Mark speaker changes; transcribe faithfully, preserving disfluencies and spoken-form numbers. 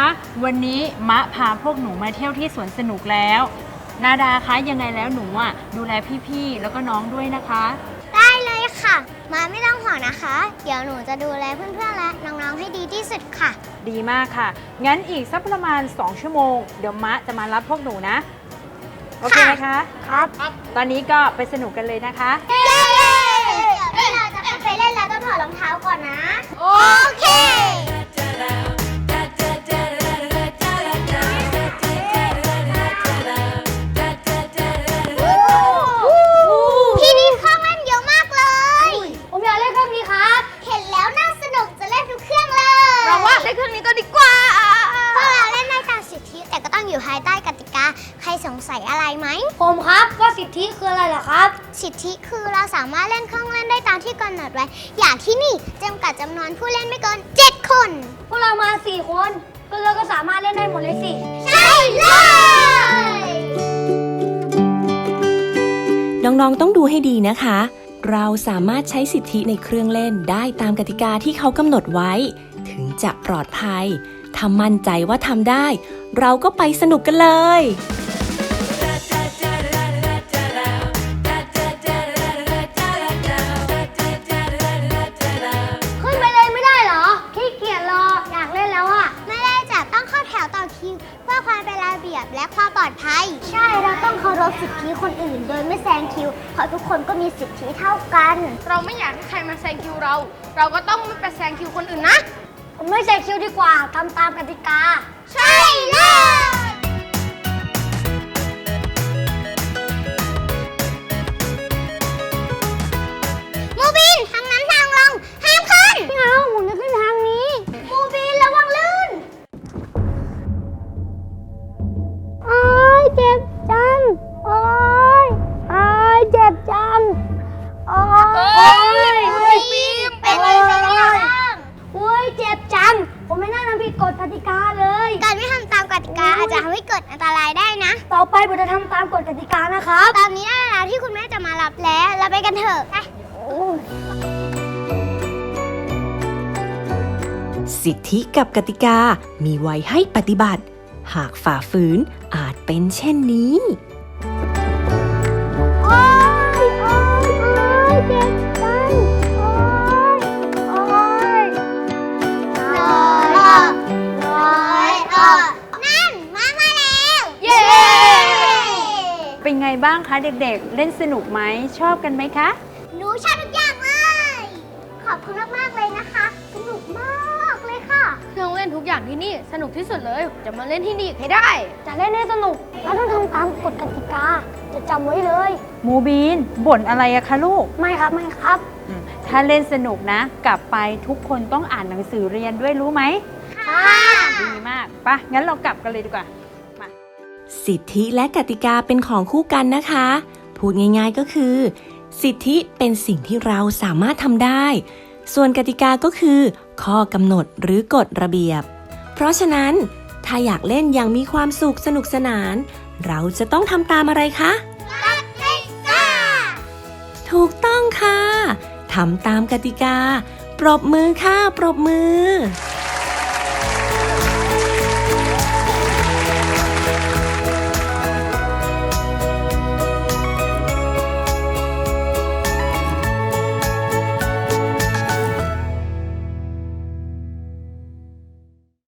Speaker 1: วันนี้มะพาพวกหนูมาเที่ยวที่สวนสนุกแล้วนาดาคะยังไงแล้วหนูอ่ะดูแลพี่ๆแล้วก็น้องด้วยนะคะ
Speaker 2: ได้เลยค่ะมาไม่ต้องห่วงนะคะเดี๋ยวหนูจะดูแลเพื่อนๆและน้องๆให้ดีที่สุดค่ะ
Speaker 1: ดีมากค่ะงั้นอีกสักประมาณสองชั่วโมงเดี๋ยวมะจะมารับพวกหนูนะโอเคไหมคะ
Speaker 2: ครับ
Speaker 1: ตอนนี้ก็ไปสนุกกันเลยนะคะ
Speaker 2: เย้เดี๋ยวเราจะไปเล่นแล้วต้องถอดรองเท้าก่อนนะโอเคที่นี่เครื่องเล่นเยอะมากเลยผมอยากเล่นเครื่องนี้ครับเห็นแล้วน่าสนุกจะเล่นทุกเครื่องเลยเราว่าเล่นเครื่องนี้ก็ดีกว่าพวกเราเล่นได้ตามสิทธิแต่ก็ต้องอยู่ภายใต้กติกาใครสงสัยอะไรไหมผมครับว่าสิทธิคืออะไรเหรอครับสิทธิคือเราสามารถเล่นเครื่องเล่นได้ตามที่กำหนดไว้อย่างที่นี่จำกัดจำนวนผู้เล่นไม่เกินเจ็ดคนพวกเรามาสี่คนก็เราก็สามารถเล่นได้หมดเลยสิใช่เลย
Speaker 3: น้องๆต้องดูให้ดีนะคะเราสามารถใช้สิทธิในเครื่องเล่นได้ตามกติกาที่เขากำหนดไว้ถึงจะปลอดภัยถ้ามั่นใจว่าทำได้เราก็ไปสนุกกันเลย
Speaker 2: ขึ้นไปเลยไม่ได้เหรอขี้เกียจรออยากเล่นแล้วอะไม่ได้จ้ะต้องเข้าแถวต่อคิวเพื่อความเป็นระเบียบและความปลอดภัยใช่เราต้องเคารพสิทธิคนอื่นโดยไม่แซงคิวเพราะทุกคนก็มีสิทธิเท่ากัน
Speaker 4: เราไม่อยากให้ใครมาแซงคิวเราเราก็ต้องไม่ไปแซงคิวคนอื่นนะ
Speaker 2: ผมไม่แซงคิวดีกว่าทำตามกติกาใช่เลยมูบินทางนั้นทางลงห้ามขึ้นไม่เอาผมจะขึ้นทางนี้มูบินระวังลื่นโอ้ยเจ็บจังโอ้ยโอ้ยเจ็บจังโอ้ย
Speaker 4: บีมเป็นอะไรบ้าง
Speaker 2: โอ้ยเจ็บจังผมไม่น่าทำผิดกฎกติกาเลยการไม่ทำตามกติกาอาจจะทำให้เกิดอันตรายได้นะต่อไปผมจะทำตามกฎกติกานะครับตอนนี้ได้เวลาที่คุณแม่จะมารับแล้วเราไปกันเถอะไป
Speaker 3: สิทธิกับกติกามีไว้ให้ปฏิบัติหากฝ่าฝืนอาจเป็นเช่นนี้
Speaker 2: โอ้ยโอ้ยโอ้ยเจ็บจังโอ้ยโอ้ยน้อยน้อยอ่ะนั่นมามาแล้วเย้
Speaker 1: เป็นไงบ้างคะเด็กๆเล่นสนุกไหมชอบกันไหมคะ
Speaker 2: หนูชอบทุกอย่างเลยขอบคุณมากๆเลยนะคะสนุกมากเลยค่ะ
Speaker 4: เครื่องเล่นทุกอย่างที่นี่สนุกที่สุดเลยจะมาเล่นที่นี่ให้ได้
Speaker 2: จะเล่นให้สนุกเราต้องทำตามกฎกติกาจะจำไว้เลย
Speaker 1: มูบีนบ่นอะไรอะคะลูก
Speaker 2: ไม่ครับไม่ครับ
Speaker 1: ถ้าเล่นสนุกนะกลับไปทุกคนต้องอ่านหนังสือเรียนด้วยรู้ไหม
Speaker 2: ค่ะ
Speaker 1: ดีมากปะงั้นเรากลับกันเลยดีกว่ามา
Speaker 3: สิทธิและกติกาเป็นของคู่กันนะคะพูดง่ายๆก็คือสิทธิเป็นสิ่งที่เราสามารถทำได้ส่วนกติกาก็คือข้อกำหนดหรือกฎระเบียบเพราะฉะนั้นถ้าอยากเล่นอย่างมีความสุขสนุกสนานเราจะต้องทำตามอะไรคะ
Speaker 2: กติกา
Speaker 3: ถูกต้องค่ะทำตามกติกาปรบมือค่ะปรบมือ